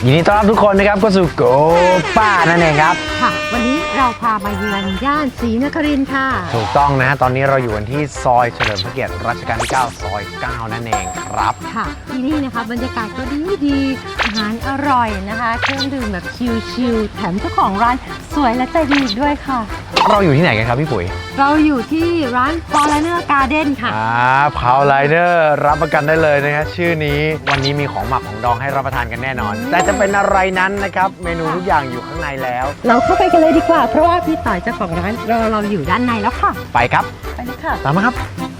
ยินดีต้อนรับทุกคนนะครับเข้าสู่โกป้านั่นเองครับค่ะวันนี้เราพามาเยือนย่านศรีนครินทร์ค่ะถูกต้องนะฮะตอนนี้เราอยู่กันที่ซอยเฉลิมพระเกียรติรัชกาลที่ 9 ซอย 9 นั่นเองครับค่ะที่นี่นะคะบรรยากาศก็ดีอาหารอร่อยนะคะเครื่องดื่มแบบชิลๆแถมเจ้าของร้านสวยและใจดีอีกด้วยค่ะเราอยู่ที่ไหนกันครับพี่ปุ๋ยเราอยู่ที่ร้าน Foreigner Garden ค่ะพาวไลเนอร์รับประกันได้เลยนะฮะชื่อนี้วันนี้มีของหมักของดองให้รับประทานกันแน่นอนแต่จะเป็นอะไรนั้นนะครับเมนูทุกอย่างอยู่ข้างในแล้วเราเข้าไปกันเลยดีกว่าเพราะว่าพี่ต่อยเจ้าของร้านเราอยู่ด้านในแล้วค่ะไปครับไปเลยค่ะตามมาครับ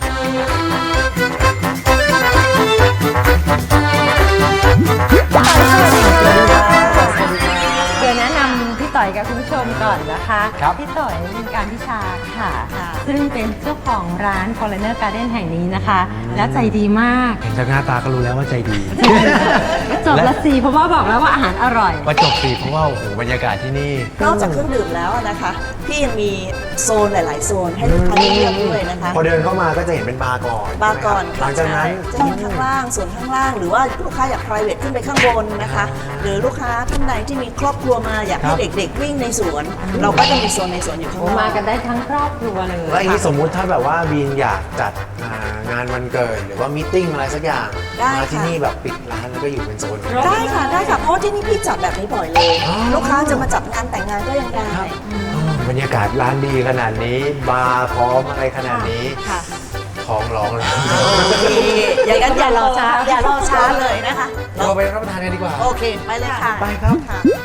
เดี๋ยวแนะนำพี่ต่อยกับคุณผู้ชมก่อนนะคะพี่ต่อยเป็นการพิชาค่ะซึ่งเป็นเจ้าของร้าน Foreigner Garden แห่งนี้นะคะและใจดีมากเห็นจากหน้าตาก็รู้แล้วว่าใจดีจบละสีเพราะว่าบอกแล้วว่าอาหารอร่อยว่าจบสีเพราะว่าโอ้โหบรรยากาศที่นี่นอกจากเครื่องดื่มแล้วนะคะพี่ยังมีโซนหลายๆโซนให้ลูกค้าเลือกด้วยนะคะพอเดินเข้ามาก็จะเห็นเป็นบาร์ก่อนหลังจากนั้นจะเห็นข้างล่างส่วนข้างล่างหรือว่าลูกค้าอยาก private ขึ้นไปข้างบนนะคะหรือลูกค้าท่านใดที่มีครอบครัวมาอยากให้เด็กๆวิ่งในสวนเราก็จะมีโซนในสวนอยู่ข้างล่างมากันได้ทั้งครอบครัวเลยแล้วอย่างนี้สมมุติถ้าแบบว่าบีนอยากจัดงานวันเกิดหรือว่ามีติ้งอะไรสักอย่างมาที่นี่แบบปิดร้านแล้วก็อยู่เป็นโซนได้ค่ะเพราะที่นี่พี่จัดแบบนี้บ่อยเลยลูกค้าจะมาจัดงานแต่งงานก็ยังได้บรรยากาศร้านดีขนาดนี้บาร์พร้อมอะไรขนาดนี้ท้องร้องเลยอย่างนั้นอย่ารอช้าเลยนะคะเราไปรับประทานกันดีกว่าโอเคไปเลยค่ะไปครับ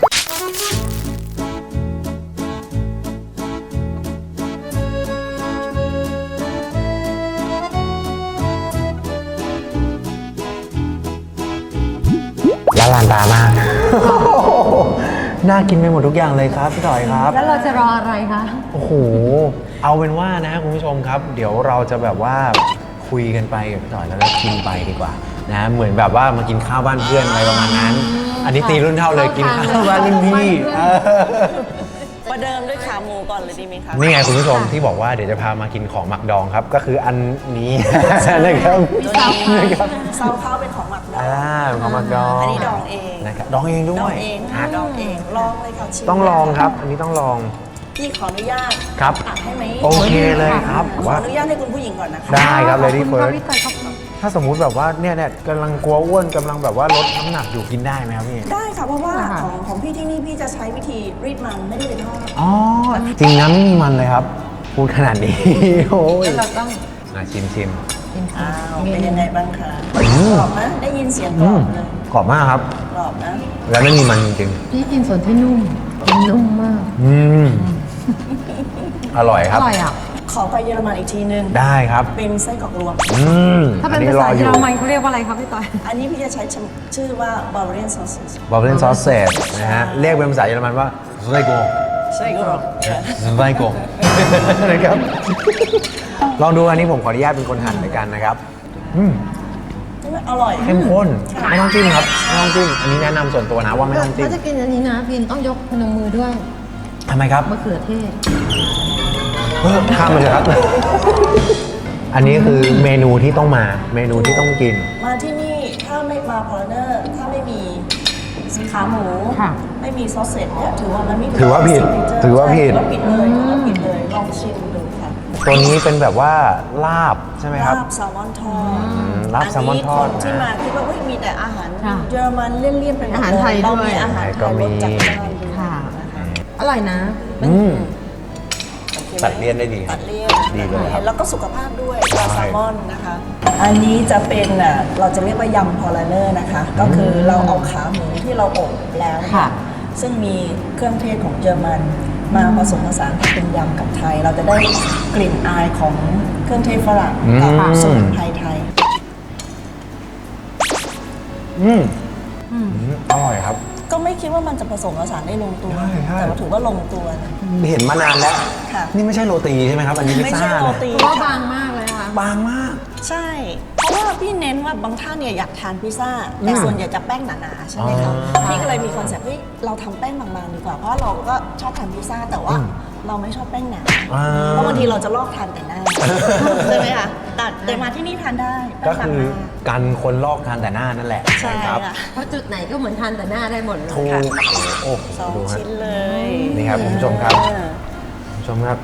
ลานตามากน่ากินไปหมดทุกอย่างเลยครับพี่ต่อยครับแล้วเราจะรออะไรคะโอ้โหเอาเป็นว่านะคุณผู้ชมครับเดี๋ยวเราจะแบบว่าคุยกันไปกับพี่ต่อยแล้วก็กินไปดีกว่านะเหมือนแบบว่ามากินข้าวบ้านเพื่อนอะไรประมาณนั้นอันนี้ตีรุ่นเท่าเลยกินข้าวบ้านรุ่นพี่ประเดิมด้วยขาหมูก่อนเลยดีไหมคะนี่ไงคุณผู้ชมที่บอกว่าเดี๋ยวจะพามากินของหมักดองครับก็คืออันนี้นะครับซาวข้าวเป็นของหมักดองของหมักดองอันนี้ดองเองนะครับดองเองด้วยดองเองลองเลยค่ะชิมต้องลองครับอันนี้ต้องลองพี่ขออนุญาตครับตักให้ไหมโอเคเลยครับขออนุญาตให้คุณผู้หญิงก่อนนะคะได้ครับเลยที่เฟิร์สถ้าสมมุติแบบว่าเนี่ยกำลังกลัวอ้วนกำลังแบบว่าลดน้ำหนักอยู่กินได้ไหมครับพี่ได้ค่ะเพราะว่าของพี่ที่นี่พี่จะใช้วิธีรีดมันไม่ได้ไปทอดอ๋อจริงนะไม่มีมันเลยครับพูดขนาดนี้โอ้ยเราต้องชิมเป็นยังไงบ้างคะกรอบนะได้ยินเสียงกรอบเลยกรอบมากครับกรอบนะแล้วไม่มีมันจริงพี่กินส่วนที่นุ่มมากอร่อยครับอร่อยอ่ะขอไปเยอรมันอีกทีนึงได้ครับเป็นไส้กรอกรวมถ้าเป็นภาษาเยอรมันเขาเรียกว่าอะไรครับพี่ต้อยอันนี้พี่จะใช้ชื่อว่า Bavarian sausage Bavarian sausage นะฮะเรียกเป็นภาษาเยอรมันว่าไส้กรอกนะครับลองดูอันนี้ผมขออนุญาตเป็นคนหั่นในกันนะครับอร่อยเข้มข้นไม่ต้องจิ้มครับไม่ต้องจิ้มอันนี้แนะนำส่วนตัวนะว่าไม่ต้องจิ้มถ้าจะกินอันนี้นะพินต้องยกพนมมือด้วยทำไมครับมะเขือเทศข้ามไปเลยครับอันนี้คือเมนูที่ต้องมาเมนูที่ต้องกินมาที่นี่ถ้าไม่มาพอลเนอร์ถ้าไม่มีขาหมูไม่มีซอสเสร็จเนี่ยถือว่ามันไม่ถือว่าผิดผิดเลยลองชิมดูค่ะตัวนี้เป็นแบบว่าลาบใช่ไหมครับลาบแซลมอนทอดลาบแซลมอนทอดที่มาคิดว่ามีแต่อาหารเยอรมันเลี่ยนๆเป็นอาหารไทยด้วยอาหารไทยรสจัดจ้านค่ะอร่อยนะตัดเลี่ยนได้ดีตัดเลี่ยนดีเลยครับแล้วก็สุขภาพด้วยปลาแซลมอนนะคะอันนี้จะเป็นเราจะเรียกว่ายำพอลเนอร์นะคะก็คือเราเอาขาหมูที่เราอบแล้วซึ่งมีเครื่องเทศของเยอรมันมาผสมผสานเป็นยำกับไทยเราจะได้กลิ่นอายของเครื่องเทศฝรั่งกับสมุนไพรไทยอร่อยครับก็ไม่คิดว่ามันจะผสมผสานได้ลงตัวแต่ว่าถือว่าลงตัวเห็นมานานแล้วนี่ไม่ใช่โรตีใช่ไหมครับอันนี้ไม่ใช่โรตีเพราะว่าบางมากเลยค่ะบางมากใช่เพราะว่าพี่เน้นว่าบางท่านเนี่ยอยากทานพิซซ่าแต่ส่วนใหญ่จะแป้งหนาๆใช่ไหมคะพี่ก็เลยมีคอนเซ็ปต์เราทำแป้งบางๆดีกว่าเพราะเราก็ชอบทานพิซซ่าแต่ว่าเราไม่ชอบแป้งหนาเพราะบางทีเราจะลอกทานแต่หน้าใช่ไหมคะแต่แต่มาที่นี่ทานได้ก็คือไม่สั่งมากันคนลอกทานแต่หน้านั่นแหละใช่ครับค่ะเพราะจุดไหนก็เหมือนทานแต่หน้าได้หมดเลยถูกค่ะโอ้โหสองดูฮะชิ้นเลยนี่ครับคุณผู้ชมครับ คุณผู้ชมครับ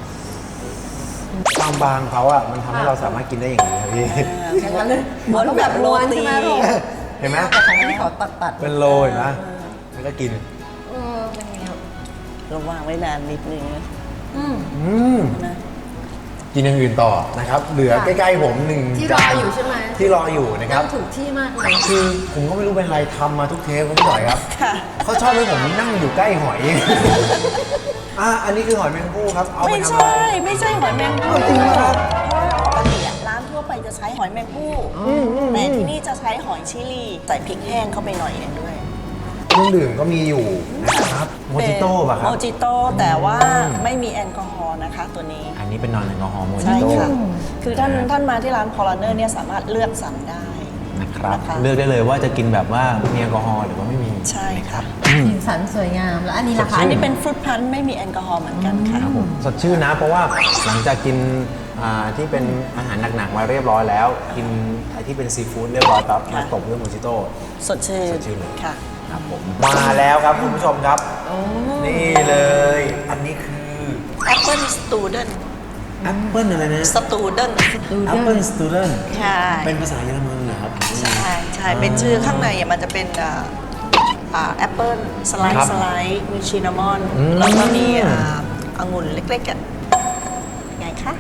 ความบางเขาอ่ะมันทำให้เราสามารถกินได้อย่างนี้ครับพี่อย่างนั้นเลยเหมือนแบบโรตีใช่ไหมลูกเห็นไหมแต่ของพี่ขอตัดเป็นโรยนะแล้วก็กินเป็นไงครับระวางไว้นานนิดนึงนะอืมอืมนะกินอย่างอื่นต่อนะครับ เหลือค่ะใกล้ๆผมหนึ่งที่รออยู่ใช่ไหมที่รออยู่นะครับนั่งถูกที่มากเลยคือผมก็ไม่รู้เป็นไรทำมาทุกเทปครับพี่หน่อยครับค่ะเขาชอบให้ผมนั่งอยู่ใกล้หอย อันนี้คือหอยแมงภู่ครับ เอาไปไม่ทำอะไรใช่ ไม่ใช่หอยแมงภู่เอาจริงเหรอครับปกติอะร้านทั่วไปจะใช้หอยแมงภู่แต่ที่นี่จะใช้หอยชิลีใส่พริกแห้งเข้าไปหน่อยหนึงด้วยเครื่องดื่มก็มีอยู่นะครับ โมจิโต้ป่ะครัโมบจิโต้แต่ว่าไม่มีแอลกอฮอล์นะคะตัวนี้อันนี้เป็นนอนแอลกอฮอล์โมจิใช่โต้ค่ะ คือท่านมาที่ร้านพอลเนอร์เนี่ยสามารถเลือกสั่งได้นะครับนะคะเลือกได้เลยว่าจะกินแบบว่ามีแอลกอฮอล์หรือว่าไม่มีใช่ค่ะสีสันสวยงาม แล้วอันนี้ล่ะคะอันนี้เป็นฟรุตพันธุ์ไม่มีแอลกอฮอล์เหมือนกันค่ะสดชื่นนะ เพราะว่าหลังจากกินที่เป็นอาหารหนักๆมาเรียบร้อยแล้ว กินไอ้ที่เป็นซีฟู้ดเรียบร้อยปั๊บมาตบด้วยโมจิโต้สดชื่นสดชื่นเลยค่ะครับผมมาแล้วครับคุณผู้ชมครับ นี่เลย อันนี้คือแอปเปิลสตูเดนแอปเปิลอะไรนะสตูเดนแอปเปิลสตูเดนใช่เป็นภาษาเยอรมันเหรอครับใช่ใช่เป็นชื่อข้างในอะมันจะเป็นแอปเปิลสไลครับด์สไลด์มีชินนามอนอืมแล้วก็มีองุ่นเล็กๆอะไงคะ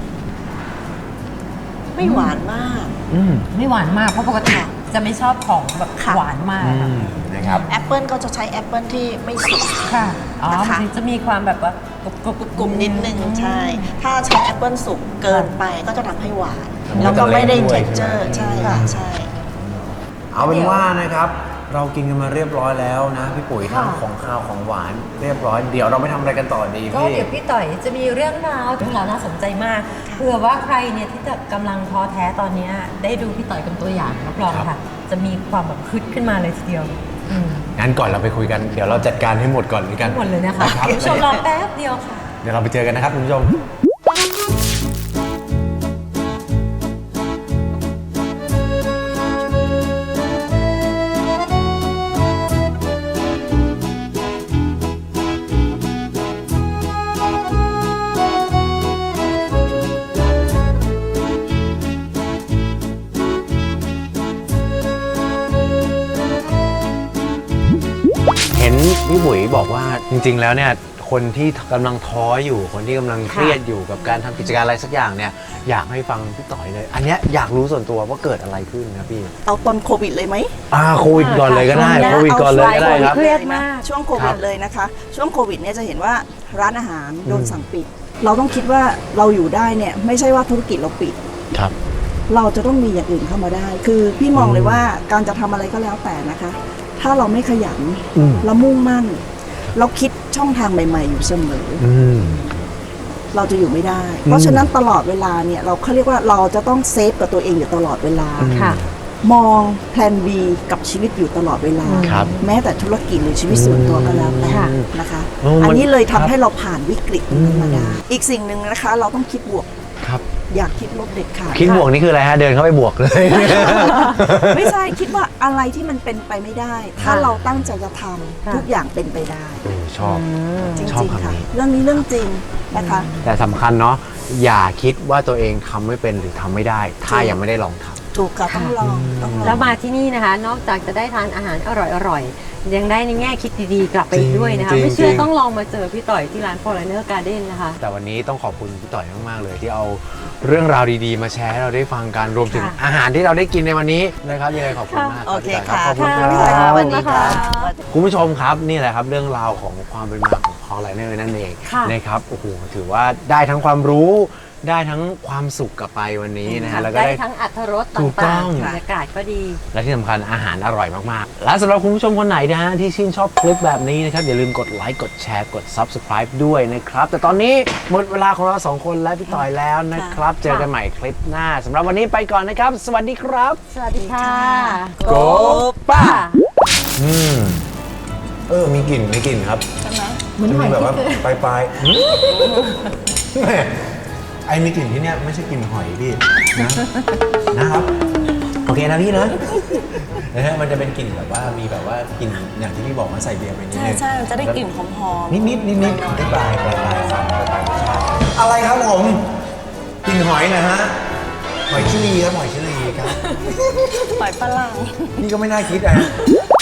ไม่หวานมากไม่หวานมาก เพราะปกติจะไม่ชอบของแบบค่ะหวานมากค่ะนะครับแอปเปิลก็จะใช้แอปเปิลที่ไม่สุกค่ะ อ๋อนะคะมันจะมีความแบบว่ากรุบๆกลุ่มนิดนึงใช่ ถ้าใช้แอปเปิลสุกเกินไปก็จะทำให้หวานมันก็แล้วก็ไม่ได้จะเละด้วยเท็กเจอร์ใช่ใช่ไหมค่ะใช่เอาเป็นว่านะครับ เรากินกันมาเรียบร้อยแล้วนะพี่ปุ๋ยทั้งค่ะของข้าวของหวานเรียบร้อย เดี๋ยวเราไปทำอะไรกันต่อดีก็พี่เดี๋ยวพี่ต่อยจะมีเรื่องราวน่าสนใจมากเผื่อว่าใครเนี่ยที่จะกำลังท้อแท้ตอนเนี้ยได้ดูพี่ต่อยเป็นตัวอย่างรับรองค่ะ จะมีความแบบคึดขึ้นมาเลยทีเดียวอืมงั้นก่อนเราไปคุยกัน เดี๋ยวเราจัดการให้หมดก่อนเลยกันหมดเลยนะคะรับคุณผู้ชมรอแป๊บเดียวค่ะเดี๋ยวเราไปเจอกันนะครับคุณผู้ชม เห็นพี่บุ๋ยบอกว่าจริงๆ แล้วเนี่ยคนที่กำลังท้ออยู่ คนที่กำลังเครียดอยู่กับการทำกิจการอะไรสักอย่างเนี่ยอยากให้ฟังพี่ต่อยเลย อันเนี้ยอยากรู้ส่วนตัวว่าเกิดอะไรขึ้นครับพี่เอาตอนโควิดเลยไหมโควิดก่อนเลยก็ได้ช่วงเนี้ยโควิดก่อนเลยก็ได้ครับเครียดมากช่วงโคควิรัดบเลยนะคะ ช่วงโควิดเนี่ยจะเห็นว่าร้านอาหารโดนสั่งปิด เราต้องคิดว่าเราอยู่ได้เนี่ยไม่ใช่ว่าธุรกิจเราปิดครับเราจะต้องมีอย่างอื่นเข้ามาได้ คือพี่มองเลยว่าการจะทำอะไรก็แล้วแต่นะคะ ถ้าเราไม่ขยันอืมเรามุ่งมั่น เราคิดช่องทางใหม่ ๆ อยู่เสมอ เราจะอยู่ไม่ได้ เพราะฉะนั้นตลอดเวลาเนี่ยเราเขาเรียกว่าเราจะต้องเซฟกับตัวเองอยู่ตลอดเวลาค่ะมองแพลน B กับชีวิตอยู่ตลอดเวลาครับแม้แต่ธุรกิจหรือชีวิตส่วนตัวก็แล้วแต่ค่ะนะคะโอ้มันอันนี้เลยครัทำบให้เราผ่านวิกฤตนั้นมาได้ อีกสิ่งหนึ่งนะคะ เราต้องคิดบวกครับอยากคิดลบเด็ดขาดคิดบวกนี่คืออะไรฮะเดินเข้าไปบวกเลยไม่ใช่คิดว่าอะไรที่มันเป็นไปไม่ได้ ถ้าเราตั้งใจจะทำค่ะทุกอย่างเป็นไปได้ชอบจชอบริงๆคำค่ะนี้เรื่องนี้เรื่องจริงนะคะแต่สำคัญเนาะอย่าคิดว่าตัวเองทำไม่เป็นหรือทำไม่ได้ ถ้ายังไม่ได้ลองทำถูกค่ะต้องลองต้องลองแล้วมาที่นี่นะคะ นอกจากจะได้ทานอาหารอร่อยๆ ยังได้ในแง่คิดดีๆ กลับไปอีกด้วยนะคะจริงๆไม่เชื่อจริงต้องลองมาเจอพี่ต่อยที่ร้าน Foreigner Garden นะคะแต่วันนี้ต้องขอบคุณพี่ต่อยมากๆเลยที่เอาเรื่องราวดีๆ มาแชร์ให้เราได้ฟังกันรวมถึงค่ะอาหารที่เราได้กินในวันนี้นะครับยังไงขอบคุณมากโอเคพี่ต่ค่ะยรับขอบคุณคค่ะรับสวัสดีค่ะคุณผู้ชมครับนี่แหละครับเรื่องราวของความเป็นมาของ Foreigner นั่นเองค่ะนะครับโอ้โหถือว่าได้ทั้งความรู้ได้ทั้งความสุขกลับไปวันนี้นะฮะแล้วก็ได้ได้ทั้งอรรถรสตถูกต้่าองงๆบรรยากาศก็ดีและที่สำคัญอาหารอร่อยมากๆ และสำหรับคุณผู้ชมคนไหนนะฮะที่ชื่นชอบคลิปแบบนี้นะครับอย่าลืมกดไลค์กดแชร์กด Subscribe ด้วยนะครับ แต่ตอนนี้หมดเวลาของเราสองคนและพี่ต่อยแล้วนะครับ เจอกันใหม่คลิปหน้าสำหรับวันนี้ไปก่อนนะครับ สวัสดีครับสวัสดีค่ะโกป้ามีกลิ่นครับใช่ไหมเหมือนหอยแบบว่าที่เคยปลายๆแหม่ไอ้มีกลิ่นที่เนี่ยไม่ใช่กลิ่นหอยพี่นะนะครับโอเคนะพี่นะนะฮะมันจะเป็นกลิ่นแบบว่ามีแบบว่ากลิ่นอย่างที่พี่บอกมาใส่เบียร์ไปนิดใช่นึงใช่มันจะได้กลิ่นหอมๆนิดได้ปลายความปลายรสชาติอะไรครับผมกลิ่นหอยนะฮะหอยชิลีครับหอยชิลีครับหอยฝรั่งนี่ก็ไม่น่าคิดนะ